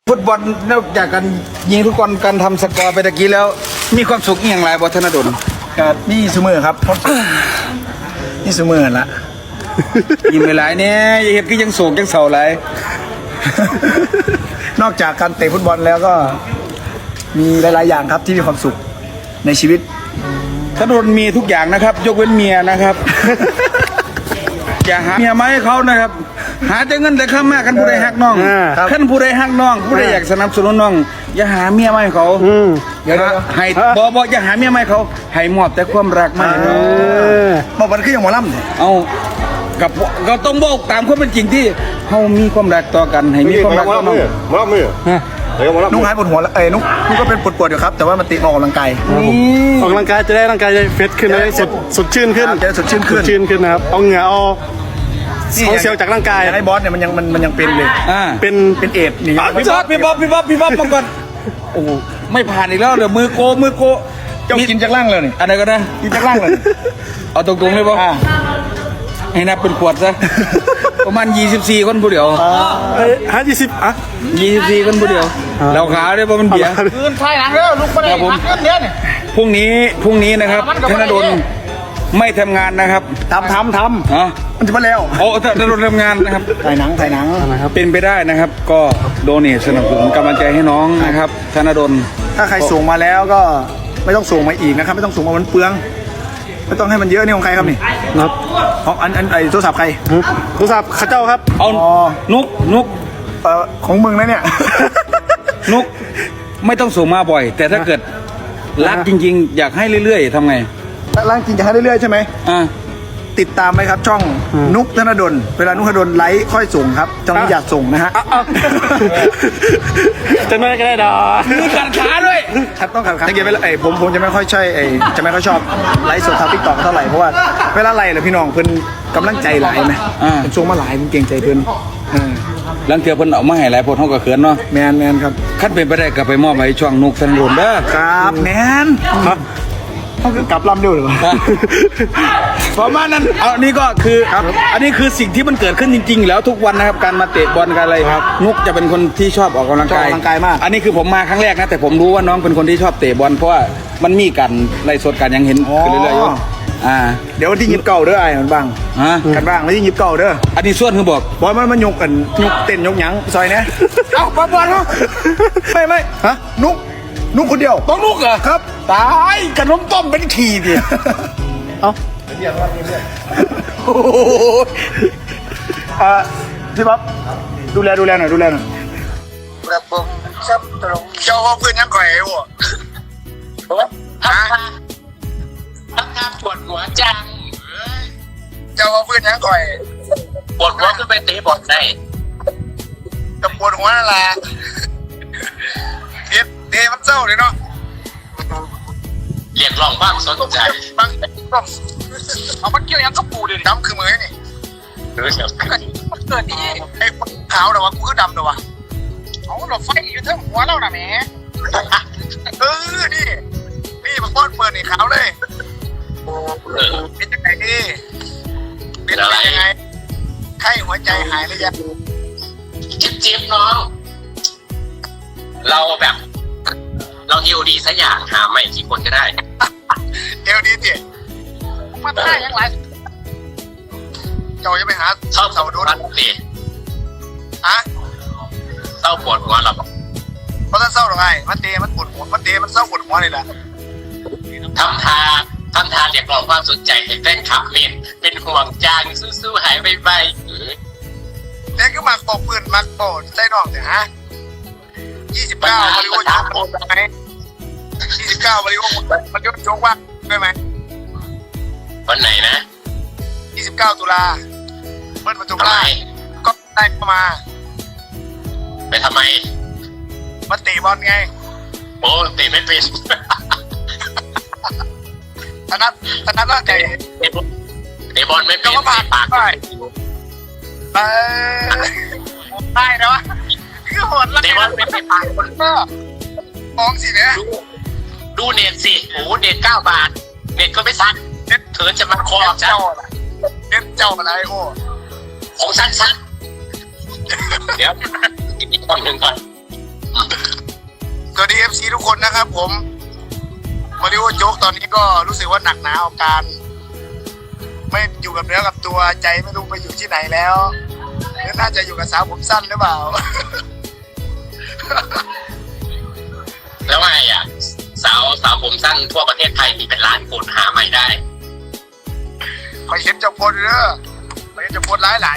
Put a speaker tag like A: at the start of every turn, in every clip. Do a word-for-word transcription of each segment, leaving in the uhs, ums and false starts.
A: ฟุตบอลนอกจากการยิงทุกคนการทำสกอร์ไปตะกี้แล้ว มีความสุขอย่างไรบอธนดล
B: ก็นี่ซูเมอร์ครับนี่ซูเมอร์ละ
A: ยิ้มไปหลายเนี่ยอย่าเห็นก็ยังโศกยังเศร้าหลาย
B: นอกจากการเตะฟุตบอลแล้วก็มีหลายๆอย่างครับที่มีความสุขในชีวิต
A: ธนดลมีทุกอย่างนะครับ ยกเว้นเมียนะครับ อย่าหาเมียมาให้เขานะครับ หาแต่เงินแต่ข้ามากกันผู้ใดฮักน้องขั้นผู้ใดฮักน้องผู้ใดอยากสนับสนุนน้อง อย่าหาเมียมาให้เขาเดี๋ยวให้บอบออย่าหาเมียมาให้เขาให้มอบแต่ความรักมาให้น้อง
B: บอกมันคืออย่างหมอลำเนี่ย
A: เอากับก็ต้องบอกตามความเป็นจริงที่เขามีความรักต่อกันให้มีความรักต่อน้อง
C: มาลับมือเดี๋ยวมาลับ
B: นุ๊กหายปวดหัวแล้วเอ้ยนุ๊กนุ๊กก็เป็นปวดปวดๆอยู่ครับแต่ว่ามันติออกกำลังกาย
D: ออกกำลังกายจะได้ร่างกายจะเฟสขึ้นเลยสดสดชื่นขึ้น
B: จะได้สดชื่นขึ้น
D: สดชื่นขึ้นนะครับเอาเหงื่อเอาเอาเซลล์จากร่างกาย
B: ไอ้บอสเนี่ยมันยังมันมันยังเป็นเลย
A: อ่า
D: เป็น
B: เป็นเอดส์นี่
A: พี่บ๊อบพี่บ๊อบพี่บ๊อบพี่บ๊อบมาก่อนโอ้โหไม่ผ่านอีกแล้วเดี๋ยวมือโกมือโก
B: เจ้ากินจากล่างเลยนี่
A: อะไรก็ได้
B: กินจากล่างเลย
A: เอาตรงๆเลยบ๊อบ
B: อ่า
A: ให้นับเป็นขวดซะ ประมาณยี่สิบสี่คนผู้เดียว
D: เอ้ยห้ายี่สิบอ่ะ
A: ยี่สิบสี่คนผู้เดียวเราขาวได้ป่ะมันเบียร์
B: คืนไทยหลังแล้วลุกไปเลย
A: ครับผม
B: พักเดือนเนี่ย
A: พรุ่งนี้พรุ่งนี้นะครับธนดลไม่ทำงานนะครับ
B: ทำทำท
A: อ๋อ
B: ำมันจะมาแล้ว
A: โอ้ธนดลทำงานนะครับ
B: ถ่ายหนังถ่ายหนัง
A: เป็นไปได้นะครับ ก็โดเนทสนับสนุนกำลังใจให้น้องนะครับธนดล
B: ถ้าใครส่งมาแล้วก็ไม่ต้องส่งมาอีกนะครับ ไม่ต้องส่งมามันเปลืองไม่ต้องให้มันเยอะนี่ของใครครับนี่
D: ครับ
B: ของอันอันไอโทรศัพท์ใคร
D: โทรศัพท์ข้าเจ้าครับ
A: เอา
B: อ๋อ
A: นุกนุก
B: เอ่อของมึงนะเนี่ย
A: นุกไม่ต้องส่งมาบ่อย แต่ถ้าเกิดรักจริงๆ อยากให้เรื่อยๆทำไง
B: ร่างจริงจะให้เรื่อยๆใช่ไหม
A: อ่า
B: ติดตามไหมครับ ช่องนุกธนดลเวลานุกธนดลไลฟ์ค่อยส่งครับช่องนี้อยากส่งนะฮะ
D: จะไม่ก็ได้ดอก
A: มีการขาด้วย
B: ครับต้องขัดขันสังเกตไปเลยไอ้ผมผมจะไม่ค่อยใช่ไอ้จะไม่ค่อยชอบไลฟ์สดทางทิกตอกเท่าไหร่เพราะว่าเวลาไลฟ์เลยพี่น้องเพิ่นกำลังใจหลายไหม
A: อ่า
B: เป็นช่วงมาหลายผมเก่งใจเพิ่นเออ
A: หลังเถื่อเพิ่นเอามาให้หลายคนเฮาก็เขินเนาะ
B: แมนแมนครับ
A: คันเป็นไปได้ก็ไปมอบให้ช่องนุกธนดลเด้อ
B: ครับแมนเขาคือกลับลำเดียวหรือเปล่า
A: ประมาณนั้นเอานี่ก็คืออันนี้คือสิ่งที่มันเกิดขึ้นจริงๆ แล้วทุกวันนะครับการมาเตะบอลกันอะไรนุกจะเป็นคนที่ชอบออกกำลังกาย
B: ชอบออกกำลังกายมาก
A: อันนี้คือผมมาครั้งแรกนะแต่ผมรู้ว่าน้องเป็นคนที่ชอบเตะบอลเพราะว่ามันมีการไล่สดกันยังเห็นขึ้นเรื่อยๆอยู่อ่า
B: เดี๋ยววันที่ยิบเก่าเด้อไอ้มันบ้าง
A: ฮะ
B: กันบ้างวันที่ยิบเก่าเด้อ
A: อันนี้ส่วนคือบอก
B: บอลมันมันยกกันยกเต้นยกหยังซอยเนี้ย
A: เอ้าบอลบอลเนาะ
B: ไม่ไม่ฮะนุกนุกคนเดียว
A: ต้องนุกเหรอ
B: ครับ
A: ตายขนมต้มเป็นขี่ดิ
D: เอ้า
B: โอ้โหอ่าพี่บ๊อบดูแลดูแลหน่อยดูแลหน่อย
E: ระบบซับตรงเจ้าว่าเพื่อนยังก่อยไอ้หัวทำงานทำงานปวดหัวจังเจ้าว่าเพื่อนยังก่อยปวดหัวขึ้นไปตีบอลได้จะปวดหัวนั่นแหละเด็ดเดมันเศร้าเลยเนาะเรียกร้องบ้างสนใจบ้างเอามันเกี่ยวยังกับปูดิดำคือมือนี่เออเกิดดีไอ้ขาวเดี๋ยววะกูคือดำเดี๋ยววะ เอาเราไฟอยู่ทั้งหัวเราน่ะแหมเออ นี่ นี่มาป้อนเปิดนี่ขาวเลยเป็นยังไงดีเป็นอะไรยังไงไข้หัวใจหายหรือยังจิ๊บจิ๊บน้อง เราแบบ เราเอวดีสักอย่างหาไม่กี่คนก็ได้ เอวดีดิมาท่ายังไรเจ้าจะไปหาชอบเสาดูนดิฮะ เศร้าปวดหัวหรอเพราะถ้าเศร้าหรอไงมันเตะมันปวดหัวมันเตะมันเศร้าปวดหัวเลยแหละทำทาทำทาเรียกร้องความสนใจให้แฟนคลับเล่นเป็นห่วงจางสู้ๆหายไปไปเด็กก็มักโปกปืนมักโปดใส่ดอกเนี่ยฮะยี่สิบเก้าบริวารโจกไหมยี่สิบเก้าบริวารมันยกโจกว่าได้ไหมวันไหนนะยี่สิบเก้าตุลาเปิดประตูได้ก็ได้เข้ามาไปทำไมมาเตะบอลไงโอ้เตะไม่เป็นธนัทธนัทว่าใจเตะบอลไม่เป็นก็ผ่านปากได้เออได้นะวะคือโหดแล้วเตะบอลไม่เป็นปากคนก็มองสิเนี่ยดูเน็ตสิโอ้เน็ตเก้าบาทเน็ตก็ไม่ซักเน็ตเถินจะมาคอเจ้าเน็ตเจ้าอะไรโอ้ของซักซักเดี๋ยวอีกคนหนึ่งก่อนดีเอฟซีทุกคนนะครับผมมาริโอโจ๊กตอนนี้ก็รู้สึกว่าหนักหนาอาการ ไม่อยู่กับเนื้อกับตัวใจไม่รู้ไปอยู่ที่ไหนแล้วหรือน่าจะอยู่กับสาวผมสั้นหรือเปล่า
F: แล้วไงอ่ะสาวสาวผมสั้นทั่วประเทศไทยมีเป็นล้านคนหาใหม่ได้
E: คอยเห็นเจ้าพลเด้อคอยเห็นเจ้าพลหลายหลาย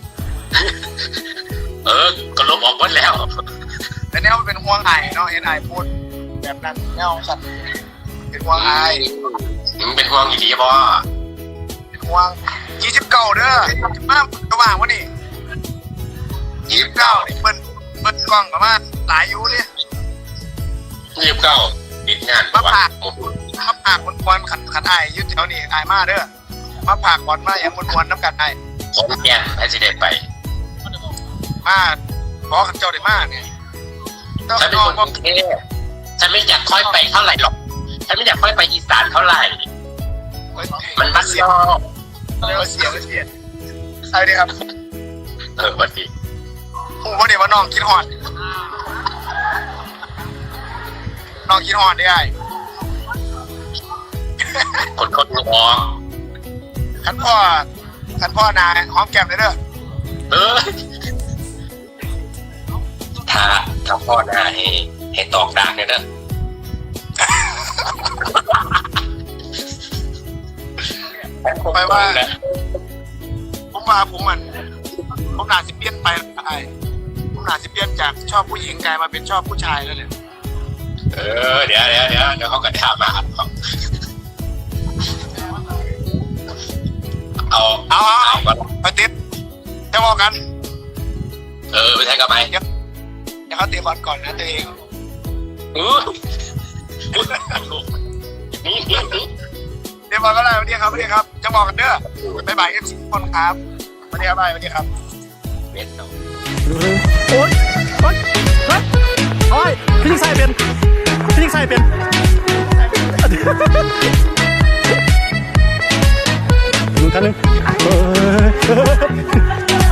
F: เออก็ลบออกหมดแล้ว
E: ๆแต่แนวมันเป็นห่วงไอ้เนาะเห็นไอ้พูดแบบนั้นแนวสัตว์เป็นห่วงไอ้
F: มึงเป็นห่วงอีหลีบ่
E: เป็นห่วงยี่สิบเก้าเด้อจะมาระหว่างวะนี่ยี่สิบเก้านี่เปิ้นเปิ้นกล้องกับมาหลายอยู่เนี่ย
F: ยี่สิบเก้าติดงาน
E: มาผัก
F: โอ้โห
E: มาผักมวนๆขันขันไอ้ยึดแถวนี้ไอ้มาเด้อมาผักก่อนมาอย่างมวนๆน้ำกันไอ้
F: ผมแก่นให้สิเด็ไป
E: มาขอขันเจ้าได้มาเนี่ยต้อง
F: ฉันเป็น
E: นอ
F: คน นกรุงเทพฉันไม่อยากค่อยไปเท่าไหร่หรอกฉันไม่อยากค่อยไปอีสานเท่าไหร่ มันบ้าน
E: เสีย
F: นอก
E: เรียกว่าเสียเสียใช่ดิครับ
F: เออวันดี
E: ผมว่าเดี๋ยวว่าน้องกินหอดน้องกินหอดได้ไง
F: คนคนมอง
E: ขันพ่อขันพ่อนายหอมแก้มเลยเด้อ
F: เออถ้าถ้าพ่อหน้าให้ให้ตอกดากเนี่ยนะ
E: ไปว่าผมว่าผมมันผมน่าสิเปลี่ยนไปไอ้ผมน่าสิเปลี่ยนจากชอบผู้หญิงกลายมาเป็นชอบผู้ชายแล้วเนี่ย
F: เออเดี๋ยวเดี๋ยวเดี๋ยวเดี๋ยวเขาก็ถามมาเอา
E: เอาเอา
F: เอา
E: เอาไปติดจะบอกกัน
F: เออไปใช้กับไป
E: เดี๋ยวเขาเตะบอลก่อนนะตัวเอง
F: อือนี่นี่นี่
E: เตะบอลก็ได้วันนี้ครับวันนี้ครับจะบอกกันเด้อบ๊ายบายเอฟซีคนครับวันนี้ครับบ๊ายบายวันนี้ครับ
F: เม็ดเนาะ
D: โอ๊ยโอ๊ยเฮ้ยโอ๊ยพี่ยิงใส่เป็นพี่ยิงใส่เป็นดูกันหนึ่งเออ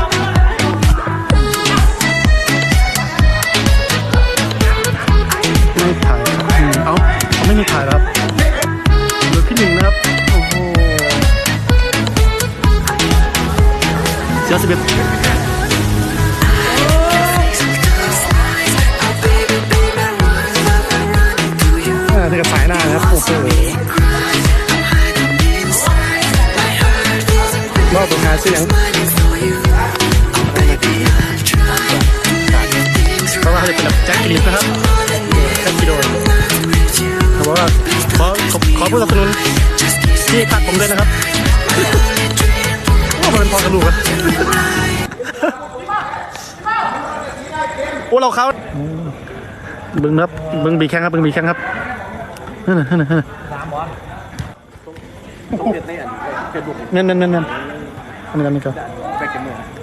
D: ไม่ถ่ายอืมเอ้าเขาไม่มีถ่ายแล้วครับเหลือพี่หนึ่งนะครับ โอ้โหเสียสิบเอ็ดอ่าเธอกับสายหน้านะครับ โอ้โหรอบสุดท้ายเสียงเพราะว่าเขาจะเป็นแบบแจ็คกิลิฟนะครับแจ็คกิโดนเขาบอกว่าขอขอขอผู้สนับสนุนที่พักผมด้วยนะครับว่ามันเป็นพอกระดูกอะโอ้เราเขาบึงครับบึงบีแข้งครับบึงบีแข้งครับนั่นน่ะนั่นน่ะนั่นน่ะนั่นนั่นนั่นนั่นอันนี้อันนี้ก็